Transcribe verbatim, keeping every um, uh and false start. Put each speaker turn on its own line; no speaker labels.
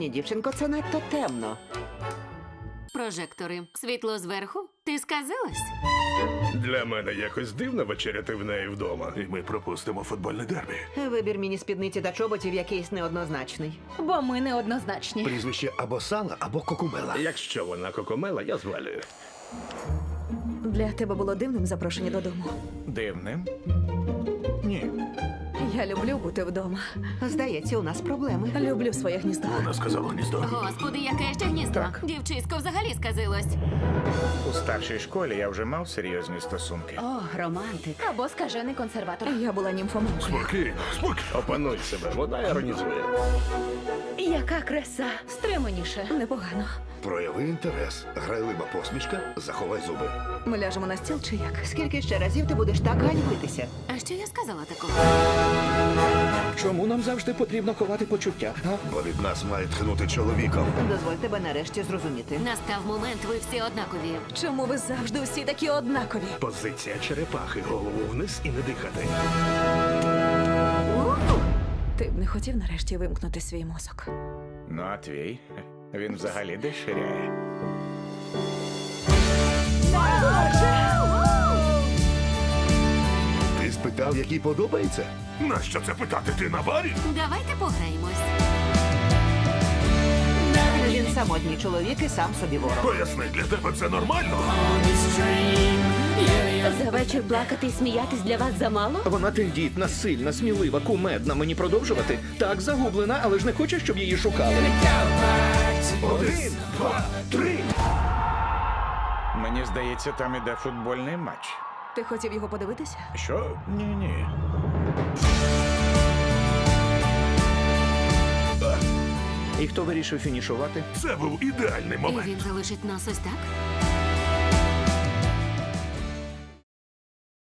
Ні, дівчинко, це надто темно.
Прожектори. Світло зверху? Ти сказилась?
Для мене якось дивно вечеряти в неї вдома. І ми пропустимо футбольне дербі.
Вибір міні-спідниці та чоботів якийсь неоднозначний.
Бо ми неоднозначні.
Прізвище або Сала, або Кокумела.
Якщо вона кокомела, я звалюю.
Для тебе було дивним запрошення додому.
Дивним? Ні.
Я люблю бути вдома.
Здається, у нас проблеми.
Люблю своє гніздо.
Вона сказала гніздо.
Господи, яке ще гніздо. Дівчисько взагалі сказилось.
У старшій школі я вже мав серйозні стосунки.
О, романтик.
Або скажений консерватор. Я була німфоманкою.
Спокійно, спокійно. Опануй себе, вона іронізує.
Яка краса. Стриманіше. Непогано.
Прояви інтерес. Грайлива посмішка, заховай зуби.
Ми ляжемо на стіл чи як?
Скільки ще разів ти будеш так ганьбитися?
А що я сказала такого?
Чому нам завжди потрібно ховати почуття? А?
Бо від нас має тхнути чоловіком.
Дозволь тебе нарешті зрозуміти.
Настав момент, ви всі однакові.
Чому ви завжди всі такі однакові?
Позиція черепахи, голову вниз і не дихати.
Ти б не хотів нарешті вимкнути свій мозок.
Ну, а твій? Він взагалі десь ширяє.
Ти спитав, який подобається?
Нащо це питати? Ти на барі?
Давайте пограємось.
Він самотній чоловік і сам собі ворог.
Поясни, для тебе це нормально?
За вечір плакати і сміятись для вас замало?
Вона тендітна, сильна, смілива, кумедна. Мені продовжувати? Так, загублена, але ж не хоче, щоб її шукали.
Один, два, три.
Мені здається, там іде футбольний матч.
Ти хотів його подивитися?
Що? Ні-ні.
І хто вирішив фінішувати?
Це був ідеальний
І
момент.
він залишить нас ось так?